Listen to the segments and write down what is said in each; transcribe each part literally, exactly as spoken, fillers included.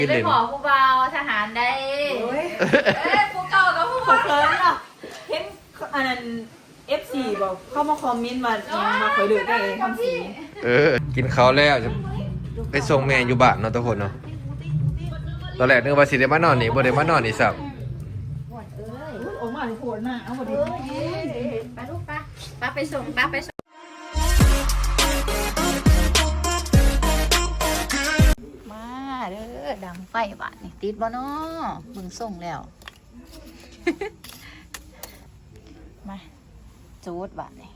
ได้ขอผู้เบาทหารได้เอ้ยผู้เก่ากับผู้ขอเคิร์นหรอเห็นอันนั้น เอฟ ซี บอกเข้ามาคอมเมนต์มามาคอยดูได้ทำสีเออกินข้าวแล้วจะไปส่งแม่อยู่บ้านเนาะทุกคนเนาะตอนแรกนึกว่าสิได้มานอนนี่บ่ได้มานอนนี่สับออกมาถึงโผล่หน้าเอาหมดดิไปลูกป้าป้าไปส่งป้าไปส่งมาเด้อดังไฟบาดนี่ติดบ่เนาะมึงส่งแล้ว มาจูดบาดนี่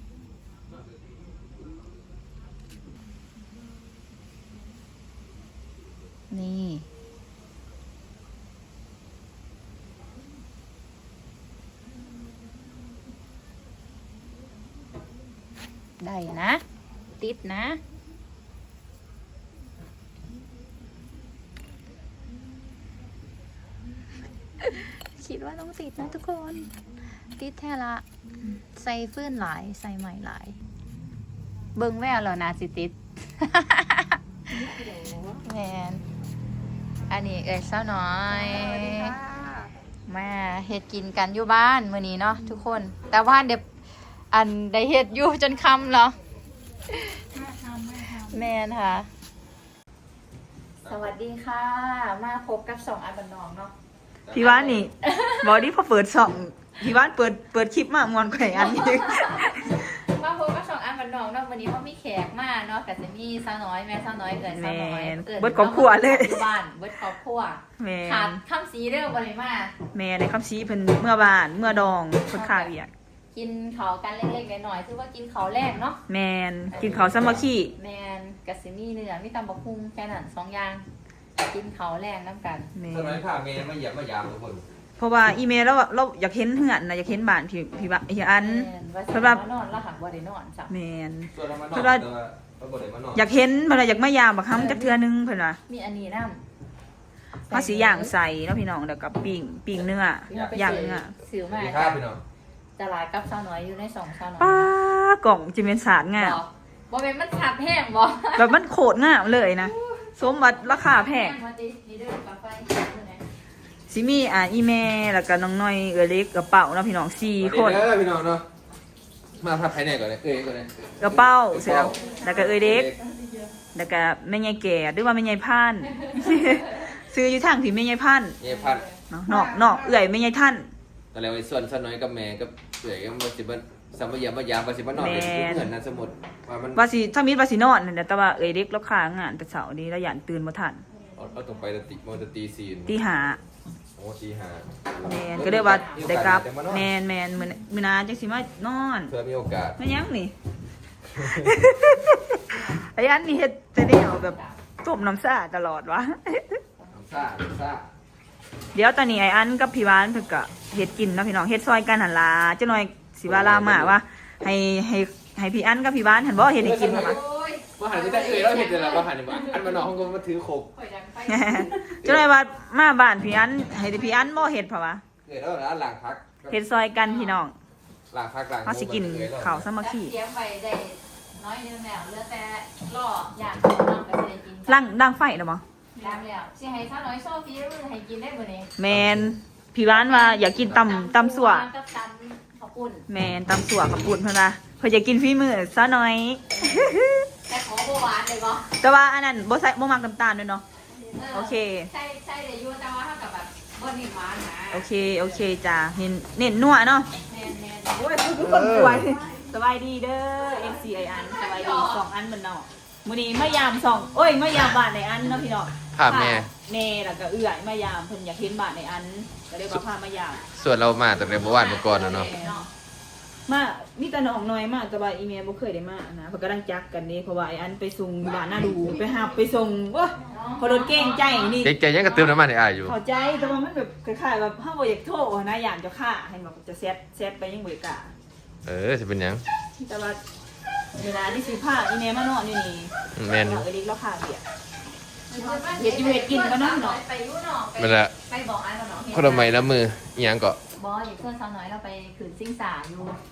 นี่ได้นะ ติดนะ คิดว่าต้องติดนะทุกคน ติดแท้ละ ใส่ฟื้นหลาย ใส่ใหม่หลาย เบิ่งแววแล้วนะสิติด แมนอันนี้เอ้ยเศร้าน้อย มาเฮ็ดกินกันอยู่บ้านมื้อนี้เนาะทุกคน แต่ว่าเดี๋ยวอันได้เฮ็ดอยู่จนค่ำเหรอแมนค่ะ สวัสดีค่ะ มาพบกับสองอันบันนองเนาะพี่ว่านนี่บอกดิพอเปิดช่องพี่ว่านเปิดเปิดคลิปมามวนแขวนอันนี้มาพบกับสองอันบันนองเนาะวันนี้เขามีแขกมาเนาะกับจะมีสาวน้อยแม่สาวน้อยเกิดสาวน้อยเกิดเบิดครอบครัวเลยบ้านเบิดครอบครัวแม่ขาดคำสีเรื่องบริมาแม่ในคำชี้เพิ่นเมื่อบ้านเมื่อดองเพิ่นข้าวเวียกกินเขากันเล็กๆหน่อยๆถือว่ากินเขาแรกเนาะแมนกินข้าวสามัคคีแมนกับซิมี่เนื้อมีตำบักหุ่งแค่นั้นสองอย่างกินเขาแรงน้ำกันแม่สมัยข้าแม่มาเหยียบมายามทุกคนเพราะว่าอีเมลเราเราอยากเห็นเหือนนะอยากเห็นบ้านพี่พี่บ้านพี่อันแม่นว่าสำหรับนอนแล้วหักบ่ได้นอนจ้ะแมนส่วนเรามานอนเพราะว่าแต่ว่าเราบ่ได้มานอนอยากเห็นเพิ่นว่าอยากมายามบักคำจักเทื่อนึงเพิ่นว่ามีอันนี้น้ำมาสีย่างใส่เนาะพี่น้องเดี๋ยวกับปิ้งปิ้งเนื้อย่างเนื้อสิวสวัมาสดีครับพี่น้องจะลายกับสาวน้อยอยู่ในสองสาวน้อยป้ากล่องจิเมนสาดงามบ่บ่เป็นมันขับแห้งบ่แบบมันโคตรงามเลยนะสมบัติราคาแพงมาดินี่เด้อกาแฟซิมีอ่าอีเมลแล้วก็น้องน้อยเออเล็กกระเป๋าเนาะพี่น้องสี่สวัสคดีนเด้อพี่น้องเนาะมาพับภายในก่อนเลยเอ้ยก่อนเลยกระเป๋าเสร็จแล้วแล้วก็เออเล็กแล้วก็แม่ยายแก่หรือว่าแม่ยายพัน ซื้ออยู่ทางที่แม่ยายพันเย่พันเนาะนอกนอกเอื่อยแม่ยายท่านตอนแรกไอ้ส่วนซะน้อยกับแม่กับเอ๋ยก็มาสิบ่สามเหยียบมายามว่าสิบ่นอนเป็นเพื่อนนะสมมุติว่ามันว่าสิถ้ามีว่าสินอนนั่นแหละแต่ว่าเออเล็กแล้วค้างานแต่เช้านี้แล้วยันตื่นบ่ทันเอาเอาตรงไปตะติมอตะตีซีนตีห้าโอ้ตีห้าแมนก็เรียกว่าได้กลับแมนแมนมื้อมื้อหนาจังสิมานอนเพื่อมีโอกาสแม่ยังนี่ ไอ้อันนี่เฮ็ดจะได้เอาแบบต้มน้ำซ่าตลอดวะน้ำซ่าน้ำซ่าเดี๋ยวตอนนี้ไอ้อันกับพี่วานเพิ่นก็เฮ็ดกินเนาะพี่น้องเฮ็ดซอยกันหั่นล่ะจังหน่อยสิว่าลามาว่าให้ให้ให้พี่อันกับพี่วานหั่นบ่เฮ็ดให้กินหั่นปะโอ้ยว่าหันไปแต่เอ๋ยเราเห็นแต่ละว่าหันไปอันมานอนห้องก็มาถือโคกข่อยดังไฟจังหน่อยว่ามาบ้านพี่อันให้พี่อันบ่เฮ็ดเพราะว่าเอ๋ยแล้วนะหลังพักเฮ็ดซอยกันพี่น้องหลังพักหลังเฮาสิกินข้าวสามัคคีเตรียมไปได้น้อยนึงแล้วเหลือแต่ล่ออย่างน้องก็สิได้กินล่างดังไฟเนาะบ่ล้างแล้วสิให้สาวน้อยโซฟีมือให้กินได้มื้อนี้แมนพี่วานว่าอยากกินตำตำสั่วกับตำข้าวปุ้นแมนตำสั่วกับปุ่นเพิ่นว่าเพิ่นอยากกินฝีมือซะหน่อยแต่ขอบ่หวานเลยบ่แต่ว่าอันนั้นบ่ใส่บ่มักน้ำตาลด้วยเนาะ โอเคใช่ใช่เลยอยู่แต่ว่าเท่ากับแบบบ่นิ่มหวานนะโอเคโอเคจ้าเน้นเน้นนัวเนาะแม่นๆโอ้ยทุกคนป่วยสบายดีเด้อ เอ็ม ซี ไอ อันสบายดีสองอันเหมือนเนาะมื้อนี้มายามสองโอ้ยมายามบ้านในอันเนาะพี่น้องภาพแม่แม่แล้วก็เอื้อยมายามเพิ่นอยากเห็นบ้านในอันก็เลยว่าพามายามส่วนเรามาตั้งแต่เมื่อวานเมื่อก่อนแล้วเนาะมามีแต่น้องน้อยมากแต่ว่าอีเมลบ่เคยได้มานะเพิ่นกำลังจักกันนี่เพราะว่าไอ้อันไปส่งอยู่บ้านหน้าดูไปหาไปส่งว้าพอรถเก่งใจนี่เจ๊ยังกระตือน้ำมันในอายอยู่เข้าใจแต่ว่ามันแบบคล้ายๆแบบเฮาบ่อยากโทรนะอย่างจะฆ่าให้แบบจะเซตเซตไปยังบ่กล้าเออจะเป็นหยังแต่ว่าเวลาที่สิพาอีเมลมานอนอยู่นี่แมนเราเอลิกเราขาเบียดเฮ็ดอยู่เฮ็ดกินก็น้องไปอยู่เนาะมันละไปบอกอันกับน้องคนละไม้ละมืออิหยังก็บ่อยู่เพื่อนสาวน้อยเราไปขืนซิ่งสาอยู่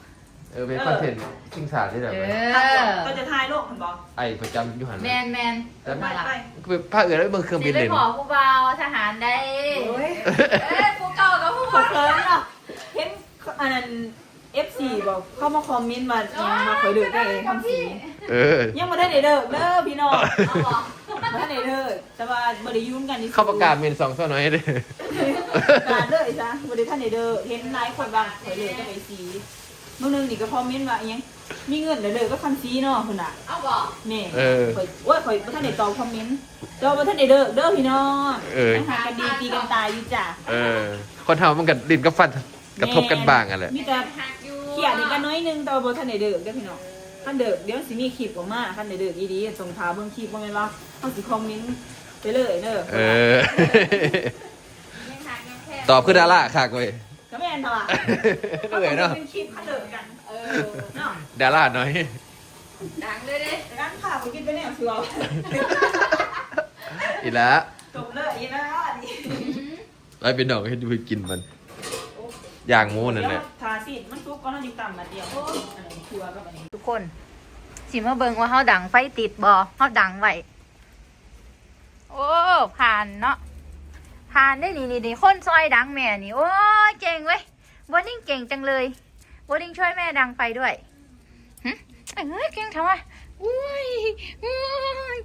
เออเป็นคอนเทนต์ชิงสาที่แบบเอนั้นอก็จะทายโลกมันบอกไอ้ประจำอยู่หันแมนแมนแต่ไปไปคือภาคอื่นแล้วเบิ่งเครื่องสิบินไปเลยขอผู้เบาทหารได้โอ้ยเอ้ยผู้เก่ากับผู้ขอเบาเคิร์นเหรอเห็นอันนั้น เอฟ ซี บอกเข้ามาคอมเมนต์มายังมาเคยเดือดได้เองคำสีเออยังมาได้ในเด้อเด้อพี่น้องเอาเหรอมาได้ในเด้อแต่ว่าบริยุ่งกันนี่เข้าประกาศเมนสองเท่าน้อยเลยการเด้อไอ้จ้ะบริท่านในเด้อเห็นนายคนบางเคยเลยก็ไปสีเมื่อนึงนี่ก็คอมเมนต์ว่าอิหยังมีเงินเด้อเด้อก็คำสีเนาะคนน่ะเอาบอกนี่เออข่อยโอ้ยข่อยบ่ท่านได้ตอบคอมเมนต์ตอบบ่ท่านได้เด้อเด้อพี่น้องเออยังหากันดีตีกันตายอยู่จ้ะเออ คนทำมันกับดินกับฟันกระทบกันบ้างอ่ะแหละมีแต่หักอยู่เขียนกันน้อยนึงแต่ว่าบ่ทันได้เด้อเด้อพี่น้องคันเด้อเดี๋ยวสิมีคลิปออกมาคันได้เด้อดีๆส่งทาเบิ่งคลิปบ่แม่นว่าเฮาสิคอมเมนต์ไปเลยเด้อเออยังหักยังแค่ตอบคือดาราคักเว้ยก็แม่นเท่าล่ะเหนื่อยเนาะเป็นคลิปคันเด้อกันเออเนาะดาราหน่อยดังเลยเด้แต่กันค่ะบ่กินไปแนวสิว่าอีแล้วจบเลยอีนะนี่ไอ้เป็นดอกให้ดูกินมัน อย่างหมูนั่นแหละเดี๋ยวทาสิมันสุกก่อนเฮาจิตำมาเดียวอันนี้ครัวกับอันนี้ทุกคนสิมาเบิ่งว่าเฮาดังไฟติดบ่เฮาดังไว้โอ้ผ่านเนาะผ่านได้นี่นี่นี่คนซอยดังแม่นี่โอ้ยเก่งเว้ยบอดิ้งเก่งจังเลยบอดิ้งช่วยแม่ดังไฟด้วยหึเอ้ยเก่งทำไมอุ้ยอุ้ย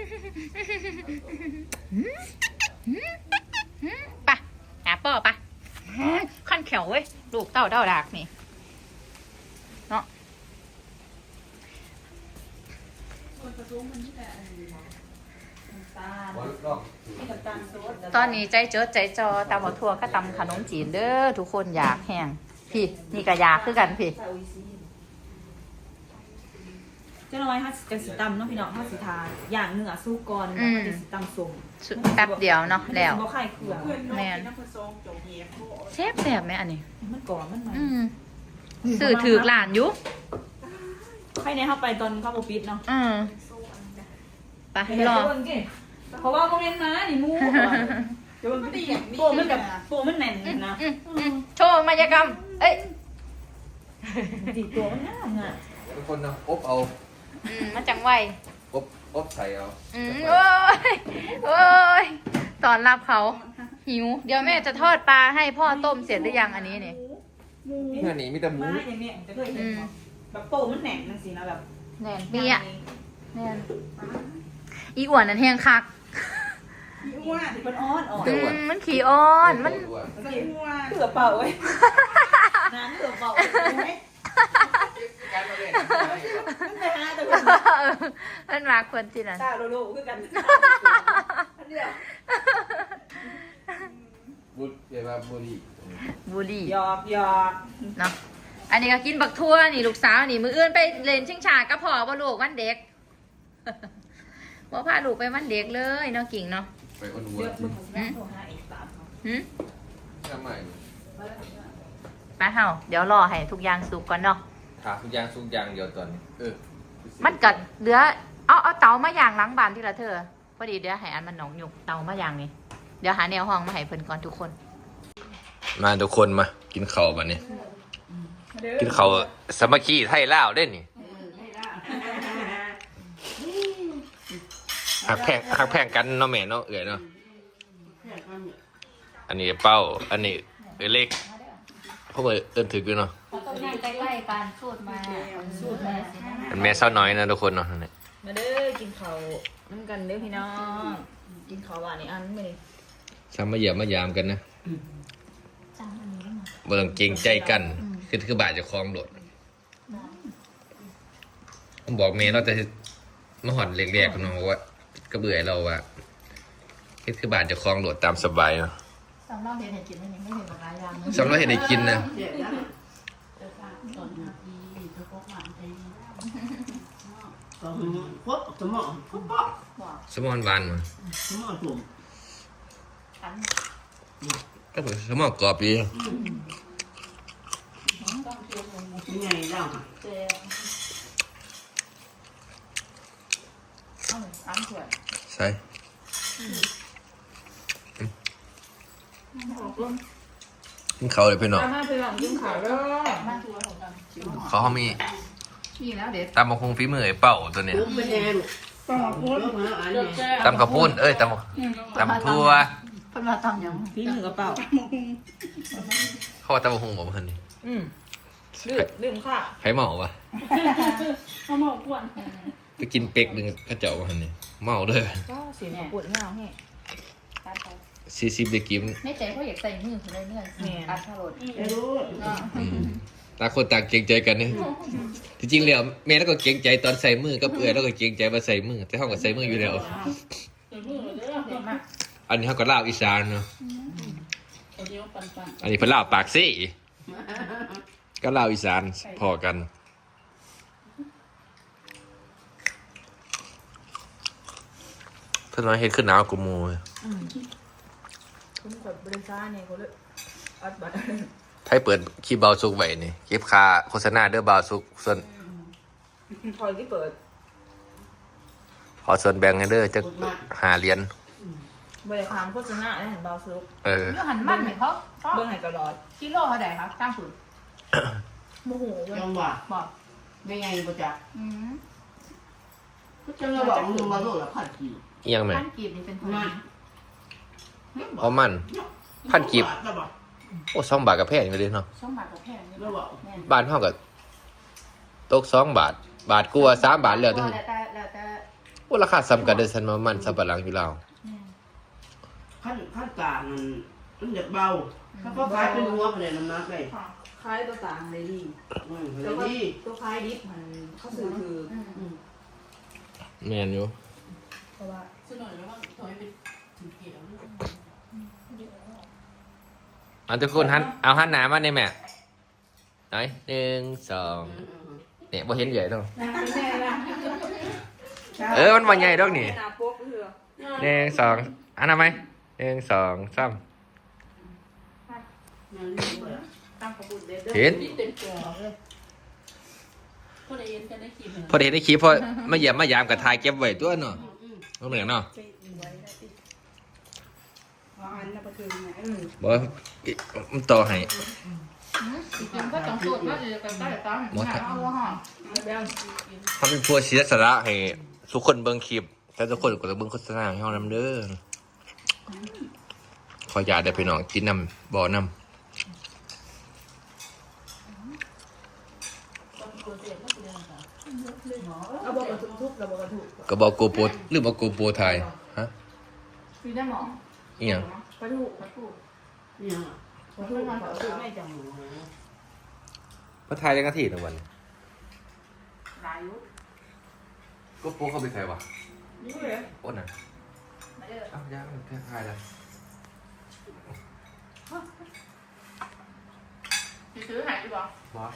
ไปะหาป่อปะขั้นแขวเว้ยลูกเต้าเต้าดากนี่เนาะส่วนผสมมันที่แต่อันนี้เนาะน้ำตาลมีน้ำตาลโซดตอนนี้ใจเจดใจจอตำบักทั่วก็ตำขนมจีนเด้อทุกคนอยากแห้งพี่นี่ก็อยากคือกันพี่ใส่โออิซิเจ้าน้อยฮัสกันสิตำเนาะพี่น้องฮัสสิทาอย่างเนื้อสู้ก่อนแล้วก็จะสิตำส้มสุดแป๊บเดียวเนาะแล้วบ่ไข่เขือแม่นแซ่บแซ่บไหมอันนี้มันก่อนมันมันอืมสื่อถือหลานอยู่ใครในเข้าไปตอนเข้าโปปิดเนาะอืมไปเดี๋ยวรอเบิ่งสิเพราะว่าโมเมนต์มานี่มูเดี๋ยวมันตีโปมันแบบโปมันแน่นนะอืมอืมโชว์มายากรรม เอ้ยตีตัวมันง่ายอ่ะทุกคนนะอบเอาอืมมันจังไวอบอบใส่เอาอืมโอ้ยโอ้ยตอนรับเขา หิว เดี๋ยวแม่จะทอดปลาให้พ่อต้มเสร็จหรือยังอันนี้เนี่ยเมื่อนี้มีแต่หมูมาอย่างเนี้ยจะเคยเห็นเนาะแบบโปมันแน่นนั่นสินะแบบแน่นเปียแน่นอีอ้วนนั่นแห้งคักอ้วนมันอ้อนอ่อนอืมมันขี่อ้อน มันเกือบเป่าเว้ยน้ำเกือบเป่าเว้ยมันไปหาแต่คนมันมาควรที่นั่นตาโลโลคือกันเดียวบุตรเรียกว่าบุรีบุรีหยอกหยอกเนาะอันนี้ก็กินบักทั่วนี่ลูกสาวนี่มืออื่นไปเล่นชิงชาก็พอบ่ลูกวันเด็ก บ่พาลูกไปวันเด็กเลยเนาะกิ่งเนาะไปคนวัวเยอะจริมึงงแม่โทรหาอีกสามเขาหืมทำไมไปเฮาเดี๋ยวรอให้ทุกอย่างสุกก่อนเนาะถามทุกอย่างทุกอย่างเดียวตอนนี้เออมันกัดเหลือเอาเอาเตามาย่างหล้างบานที่ละเธอพอดีเดี๋ยวให้อันมันหนองหยุกเตามาย่างนี่เดี๋ยวหาแนวห้องมาให้เพิ่นก่อนทุกคนมาทุกคนมากินข้าวบัดนี้กินข้าวสามัคคีไทยลาวเด้นี่หักแพงหักแพงกันเนาะแม่เนาะเอ๋ยเนาะอันนี้เป้าอันนี้เอ๋ยเล็กเพราะว่าเอิ้นถึกอยู่เนาะต้นนั่งใกล้ๆกันสูตรมาสูตรมาสินะมันแม่เศร้าน้อยนะทุกคนเนาะนั่นแหละมาเด้อกินข้าวน้ำกันเด้อพี่น้องกินข้าวหวานนี่อันไม่ได้ซ้ำมาเหยียบมายามกันนะบ่ต้องเกรงใจกันคือคือบาดจะคลองโดดผมบอกเมย์เราจะมาหอดเรียกๆกันเนาะว่าก็เบื่อเราว่าคือคือบาดจะคลองโดดตามสบายเนาะสำหรับเห็นให้กินไม่เห็นหลายอย่างสำหรับเห็นได้กินนะสมอนหวานมั้ก็เป็นสมอนกรอบดีไงเล่าใส่กินเขาวเลยพี่น้องมาไปหลังกินข้าวแล้วเขาเขามีนี่แล้วเด็ดตำมะคงฝีมือไอ้เป่าตัวเนี้ยลูกเป็นแดงลูกมาอันนี้ตำกระปุ้นเอ้ยตำตำทั่วเพิ่นมาตำยังพี่มือกระเป๋าเขาว่าตำมะคงบอกว่าเพิ่นนี่อืมดื่มดื่มค่ะใครเมาวะเขาเมาปวดไปกินเป็กหนึ่งเข้าเจ้าว่าเพิ่นนี่เมาเลยก็เสียงปวดเงาแห้ซีซีเด็กกิมในใจเขาอยากใส่มือเขาเลยเนื่อยอัดทารดรู้อืมต่างคนต่างเกรงใจกันเนี่ยที่จริงแล้วแม่แล้วก็เกรงใจตอนใส่มือกับเอื้อยแล้วก็เกรงใจมาใส่มือแต่ห้องก็ใส่มืออยู่แล้ว อันนี้เขาก็ลาวอีสานเนาะอันนี้เพิ่นลาวปากซี่ก็ลาวอีสานพอกันเพิ่นน้อยเฮ็ดขึ้นหนาวกูมูเลยคุณกดบริษัทเนี่ยเขาเลยอัดบัตรให้เปิดคลิปเบาสุกไว้นี่คลิปคาโฆษณาเด้อเบาสุกส่วนคอยที่เปิดขอส่วนแบ่งให้เด้อจะหาเหรียญบริการโฆษณาได้เห็นเบาซุกเออเรื่องหันมันไหมเขาเบื้องไหนกระดอดกิโลเท่าไหร่ครับจ้างผืนโมโหเลยจังหวะบอกไม่ไงประจักษ์อืมจังหวะบอกมึงมาโลดละพันกี่เอียงไหมพันกีบนี่เป็นเท่าไหร่เพราะมัน พันกีบ โอ้สองบาทกับแพงอยู่เลยเนาะสองบาทกับแพงนี่แล้วบอกแม่นบ้านเท่ากับตกสองบาท บาทกลัวสามบาทเหลือแล้เท่าวแต่แล้วแต่โอ้ราคาซ้ำกันเด้อฉันมามันสับปะหลังอยู่แล้วขั้นขั้นกลางมันมันจะเบาถ้าเขาขายเป็นหัวไปเลยน้ำหนักเลยคล้ายตัวต่างเลยดีอืมแต่เลยว่าดีตัวคล้ายดิฟมันเขาสื่อคือแม่นอยู่เพราะว่าอันทุกคนหันเอาหันหนามาในแม่ไหนหนึ่งสองเนี่ยบ่เห็นใหญ่ต้องเออมันบ่ใหญ่ดอกนี่นาโป๊กเรือหนึ่งสองอันนั้นไหมหนึ่งสองสามตั้งขบุญเด็ดเห็นเต็มตัวพอได้เห็นในคลิปพอมาเยี่ยมมายามกับทายเก็บไว้ตัวเนาะบ่เหมือนเนาะอันนั้นก็คือไงบ่มันต่อให้ยังก็ต้องสูตรว่าจะกันได้ตั้งเอาว่าห่อเขาเป็นผู้เสียสละให้ทุกคนเบิ่งคลิปแต่ทุกคนก็ต้องเบิ่งโฆษณาให้เฮานำเด้อขออย่าได้พี่น้องกินน้ำบ่อน้ำเอาบอกกระทุกเราบอกกระทุกก็บอกโกโปรหรือบอกโกโปรไทยฮะมีได้หมออีหยังกระทุกกระปุกเนี่ยกระทุกมันกระทุกไม่จังพระไทยจังกะทีนะวันหลายยุโกโปรเขาเป็นใครวะนี่เลยโอ้น่ะไม่ได้อ้าวยังแค่ทายแล้วซื้อหายดีกว่าบอส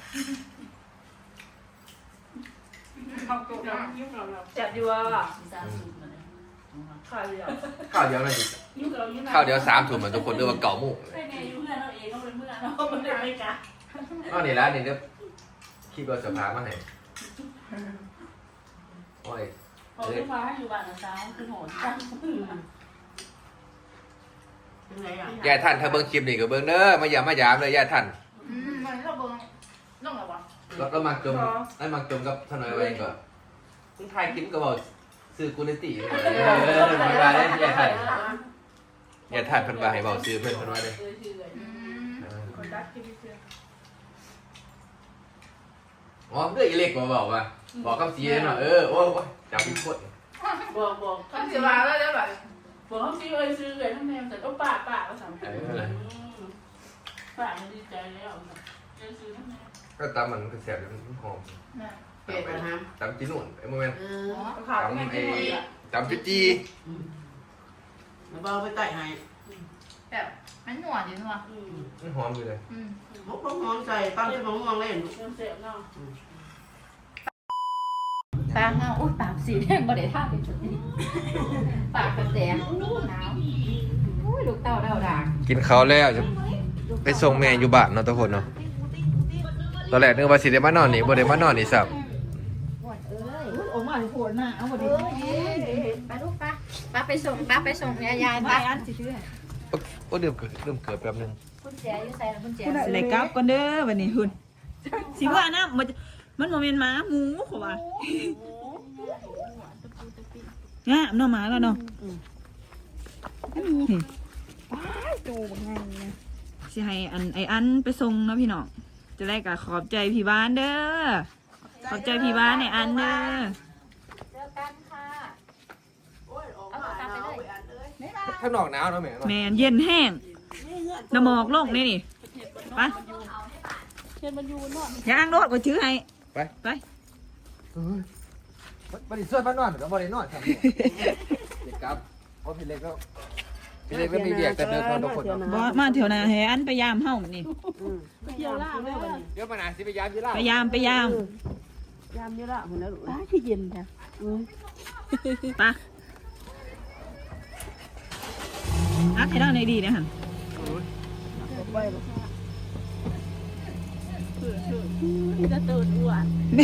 เอาตัวนะจับอยู่อ่ะขาดเลยอ่ะข้าวเดียวนั่นข้าวเดียวสามถุงเหมือนทุกคนเรียกว่าเก่าหมู่ใช่ไงอยู่เพื่อนเราเองก็เป็นเพื่อนเราไม่ได้ไม่กันอ้าวนี่แล้วนี่เดี๋ยวคิดว่าจะพามาไหนโอ้ยพอขึ้นมาให้อยู่บ้านนะจ้าคือโหดจังเป็นไงอ่ะยายท่านถ้าเบิ่งคลิปนี่ก็เบิ่งเด้อมาอย่ามายามเลยยายท่านอืมมันเราเบิ่งน้องอะไรวะแล้วก็มาจมไอ้มาจมกับทนายไว้ก็มึงถ่ายคลิปก็บอกซื้อกูเลยติเออมาได้ยายท่านยายท่านเพิ่นว่าให้เว้าซื้อเพิ่นเพิ่นว่าเด้เออชื่อเลยอืมคนรักที่เชื่ออ๋อเรื่องอีเล็กมาบอกว่าบอกคำสีเลยเนาะเออโอ้ยจับพี่พดบอกบอกเขาเสียมาแล้วได้แบบบอกเขาชื่อเลยชื่อเลยทั้งแนวแต่ก็ป่าป่าก็สำคัญป่ามันดีใจแล้วเจอซื้อทั้งแนวก็ตามมันก็แสบมันหอมเป็ดนะฮะตามจีนุ่นไอ้โมเมนต์เออขาดตามไม่ไอ้ได้ตามจุจีมาเบาไปไต่ให้แบบมันหนวดอยู่นัวอืมมันหอมอยู่เลยอืมมกหอมใส่ตั้งที่มะม่วงเล่นเริ่มเสียบเนาะปากเงาอุ้ยปากสีแดงบ่ได้ท่าเป็นจุดนี้ปากกระแดงอู้หนาวอุ้ยลูกเต้าเต้าด่างกินเขาวแล้วจะไปส่งแม่อยู่บ้านเนาะทุกคนเนาะตอนแรกนึกว่าสิได้มานอนนี่บ่ได้มานอนนี่สับปวดเอ้ยโอ้มาถึงปวดหน้าเอาหมดดิไปลูกไปป้าไปส่งป้าไปส่งยายยายไปป้าอันสิซื้อให้โอ้เดือมเกิดเริ่มเกิดแป๊บนึงคุณเสียอยู่ใส่แล้วคุณเสียไหนกลับก่อนเด้อวันนี้หุ่นสิว่านะมันมันโมเมนต์หมาหมูเขาว่าเนี่ยน้องหมาแล้วเนาะจูบไงนะสิให้อันไออันไปส่งนะพี่น้องจะได้กับขอบใจพี่บ้านเด้อขอบใจพี่บ้านไออันเด้อเจอกันค่ะเอากลับไปเลยข้างนอกหนาวเนาะแม่เนาะแมนเย็นแห้งน้ำหมอกลงนี่นี่ไปเชิญมันอยู่นอกย่างรถก็ชื่อให้ไปไปบริสุทธิ์บ้านนอนกับบริโนอนครับเด็กครับเพราะพี่เล็กก็พี่เล็กก็มีเบียกแต่เดินคนทุกคนเนาะบอสมาแถวนาให้อันไปยามเฮ้ามันนี่เกี่ยวล่างแล้ววันนี้เดี๋ยวมาหนาสิไปยามยี่ล่าไปยามไปยามยามเยอะละคนนั้นอ้าคือเย็นค่ะไปอักให้ได้ในดีนะฮะจะตื่นอ้วน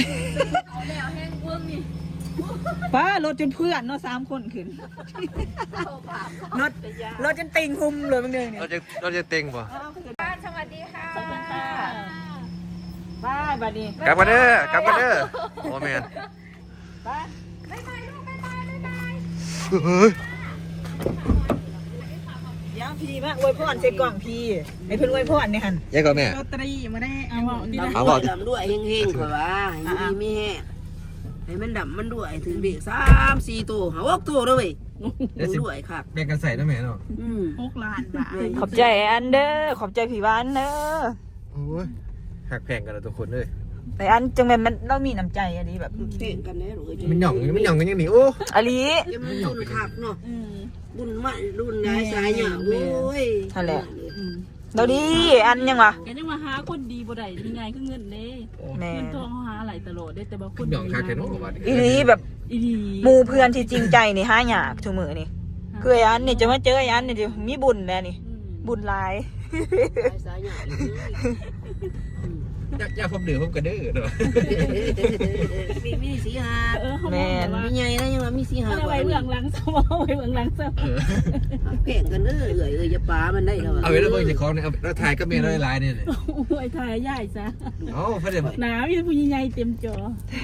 ป้ารถจนเพื่อนเนาะสามคนขึ้นรถรถจนติงคุมเลยบางเดือนเนี่ยเราจะเราจะเต็งป่ะบ้านสวัสดีค่ะขอบคุณค่ะบ้ายบัดนี้กลับมาเด้อกลับมาเด้อโอ้แมนบ้ายบ๊ายบายลูกบ๊ายบายบ๊ายบายเฮ้ยย่างพี่มาอวยพรใส่กล่องพี่ไอ้เพิ่นอวยพรเนี่ยหันยังก่อนแม่ลอตเตอรี่มาได้เอาเอาบอกดำด้วยเฮงๆกว่าว่าให้มีแห้ให้มันดำมันด้วยถึงเด็กสามสี่ตัวหกตัวด้วยด้วยครับแบ่งกันใส่นะแม่เนาะอืมหกล้านบาทขอบใจอันเด้อขอบใจพี่บ้านเด้อโอ้ยหักแพงกันแล้วทุกคนเลยแต่อันจังแม่นมันเรามีน้ำใจอะดีแบบเพ่งกันแน่หรือมันหย่องมันหย่องกันยังหนีโอ้อลียังมันรุ่นขักเนาะรุ่นใหม่รุ่นย้ายสายเนี่ยโอ้ยนั่นแหละเราดีอันยังวะแกยังมาหาคนดีบ่ได้ยังไงคือเงินเด้แม่เงินทองเขาหาหลายตลอดได้แต่บางคนหย่องคาเทโน่ว่าอีลีแบบอีดีหมู่เพื่อนที่จริงใจนี่ห้าหยากทุกมือนี่คือไอ้อันนี่จะมาเจอไอ้อันนี่จะมีบุญแล้วนี่ บุญหลายสายเนี่ยอยากอยากพบเดือดพบกระเด้อเนาะมีมีสีหาเออเขาบอกว่ามีใหญ่นะยังว่ามีสีหาเอาไว้เบื้องหลังสมองไว้เบื้องหลังสมองเพ่งกันเอ้ยเอ้ยเอ้ยจะปามันได้แล้วเอาไว้แล้วเบิ่งจะคล้องเนี่ยเอาแล้วถ่ายก็เมียร้อยลายเนี่ยโอ้ยถ่ายใหญ่ซะเอ้าเพื่อนหนาวอยู่ผู้ใหญ่เต็มจอ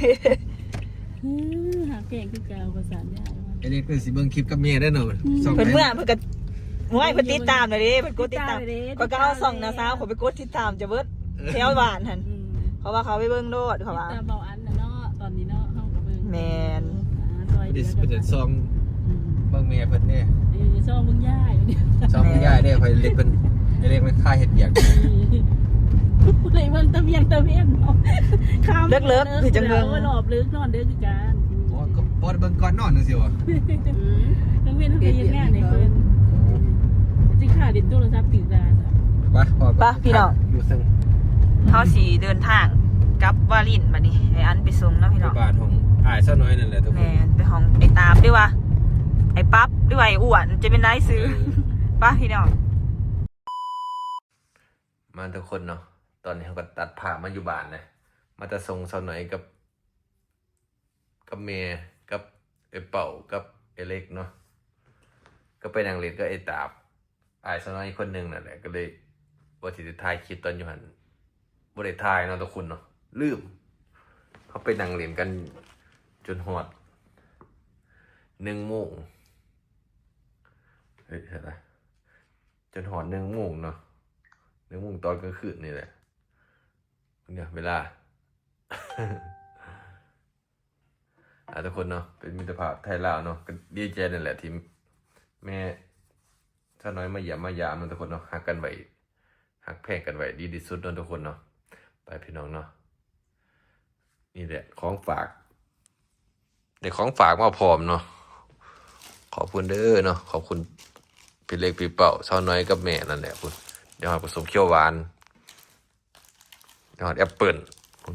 หาเก่งคือเก่าภาษาใหญ่ไอเล็กเป็นสิเบิ่งคลิปกับเมียได้เนาะสองเพิ่นแม่เมื่อเพิ่นก็ห้วยเพิ่นติดตามเลยดิเพิ่นกดติดตามก็ก็เอาส่องนะสาวเขาไปกดติดตามจะเบิดแถวบ้านหั่นเพราะว่าเขาไปเบิ่งโดดเขาว่าตามเบาอันนะเนาะตอนนี้เนาะเฮากับเบิ่งแม่นซอยดิเดีสยวเป็นกันซองเบิ่งเมียเพิ่นเนี่ยเออซองมึงย่าอยู่เนี่ยซองย่ายได้คอยเล็กเพิ่นไอเล็กมันค่าเห็ดเบียกเลยเบิ่งตะเวียงตะเวียนเนาะข้ามเลิกเลิกคือจังเบิ่งเออหลอบลึกนอนเด้อคือกันโอ้ก็บ่ได้เบิ่งก่อนนอนจังซี่วะทั้งเวียนทั้งเวียนงานในเพิ่นสิค่าดิโทรศัพท์ติดดาจ้ะไปพอไปพี่น้องอยู่ซึ่งเฮาสิเดินทางกลับวาลินบัดนี้ไอ้อันไปส่งเนาะพี่น้องบ้านของอ้ายซะน้อยนั่นแหละทุกคนแม่นไปห้องไอ้ตามด้วยวะไอ้ปั๊บด้วยไอ้อ้วนจะเป็นได้ซื้อป่ะพี่น้องมาทุกคนเนาะตอนนี้เขาก็ตัดผ่ามาอยู่บ้านนะมาจะส่งซะน้อยกับกับเมียกับไอ้เป่ากับไอ้เล็กเนาะก็ไปนางเล็กก็ไอ้ตาบอ้ายซะน้อยคนหนึงนั่นแหละก็เลยว่าสิได้ถ่ายคลิปตอนอยู่หั่นบ่ได้ถ่ายเนาะทุกคนเนาะลืมเขาไปนั่งเล่นกันจนฮอดหนึ่งโมงเฮ้ยอะไรจนฮอดหนึ่งโมงเนาะหนึ่งโมงตอนกลางคืนนี่แหละเนี่ยเวลา อ่ะทุกคนเนาะเป็นมิตรภาพไทยลาวเนาะก็ดีใจนั่นแหละที่แม่ถ้าน้อยมาเยี่ยมมายามมันทุกคนเนาะหักกันไว้หักแพงกันไว้ดีที่สุดเนาะทุกคนเนาะไปพี่น้องเนาะนี่แหละของฝากเด็กของฝากมาพร้อมเนาะขอบคุณเด้อเนาะขอบคุณพี่เล็กพี่เป่าเช้าน้อยกับแม่นั่นแหละคุณเดี๋ยวหาผสมเคี่ยวหวานเดี๋ยวหาแอปเปิ้ล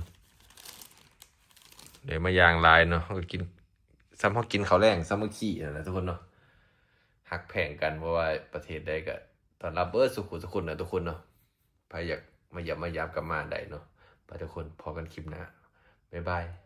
เดี๋ยวมายางลายเนาะเขาก็กินซ้ำเขากินเขาวแรงซ้ำเขาขี้นั่นแหละทุกคนเนาะหักแพงกันเพราะว่าประเทศใดก็ตอนรับเบิร์ดสุขุสุขุนนะทุกคนเนาะใครอยากมาหยับมายามกลับมาได้เนาะไปทุกคนพอกันคลิปหน้าบ๊ายบาย